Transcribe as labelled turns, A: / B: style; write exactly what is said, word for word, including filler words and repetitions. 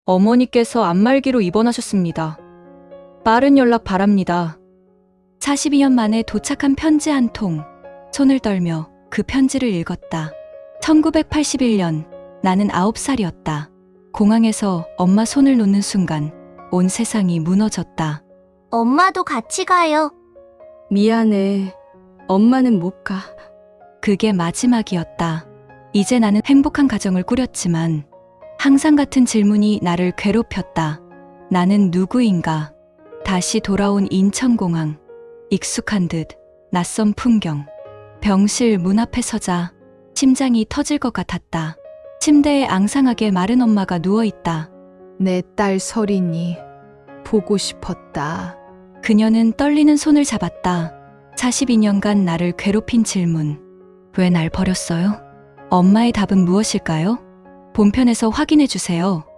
A: 어머니께서 안말기로 입원하셨습니다. 빠른 연락 바랍니다.
B: 사십이 년 만에 도착한 편지 한 통. 손을 떨며 그 편지를 읽었다. 천구백팔십일 년, 나는 아홉 살이었다. 공항에서 엄마 손을 놓는 순간 온 세상이 무너졌다.
C: 엄마도 같이 가요.
D: 미안해. 엄마는 못 가.
B: 그게 마지막이었다. 이제 나는 행복한 가정을 꾸렸지만 항상 같은 질문이 나를 괴롭혔다. 나는 누구인가? 다시 돌아온 인천공항. 익숙한 듯 낯선 풍경. 병실 문 앞에 서자 심장이 터질 것 같았다. 침대에 앙상하게 마른 엄마가 누워있다.
E: 내 딸 설인이 보고 싶었다.
B: 그녀는 떨리는 손을 잡았다. 사십이 년간 나를 괴롭힌 질문. 왜 날 버렸어요? 엄마의 답은 무엇일까요? 본편에서 확인해 주세요.